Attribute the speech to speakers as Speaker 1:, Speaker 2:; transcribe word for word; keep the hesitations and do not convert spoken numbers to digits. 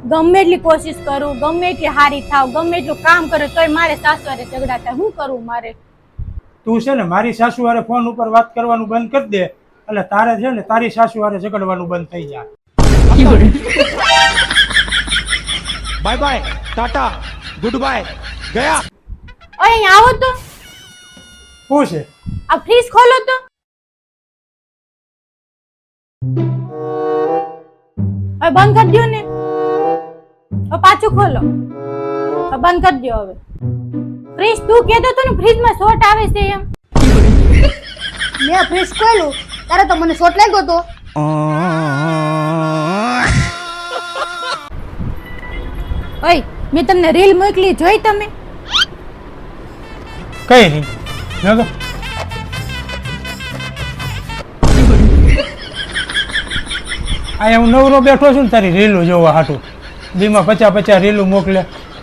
Speaker 1: ગમે એટલી કોશિશ કરું, ગમે એટલી હારી થાવ, ગમે એટલું કામ કરું તોય મારે સાસુ હારે ઝઘડા થાય. શું કરવું મારે?
Speaker 2: તું છે ને મારી સાસુ હારે ફોન ઉપર વાત કરવાનું બંધ કરી દે એટલે તારે છે ને તારી સાસુ હારે ઝઘડવાનું બંધ થઈ જાય.
Speaker 3: Bye bye, tata, good bye, ગયા.
Speaker 1: ઓય અહીંયા આવો તો,
Speaker 2: શું છે?
Speaker 1: આ ફ્રીજ ખોલો તો. હવે બંધ કરી દો ને. હવે પાછું ખોલો. હવે બંધ કરી દો. હવે ફ્રીજ તું કહેતો તો ને ફ્રીજમાં શોર્ટ આવે છે એમ.
Speaker 4: મેં ફ્રીજ ખોલ્યું ત્યારે તો મને શોટ લાગ્યો તો.
Speaker 1: ઓય મેં તમને રીલ મોકલી, જોઈ તમે?
Speaker 2: કઈ નહીં જોતો. અહીંયા હું નવરો બેઠો છું ને તારી રીલું જોવા હાટું. દીમાં પચાસ પચાસ રીલું મોકલે.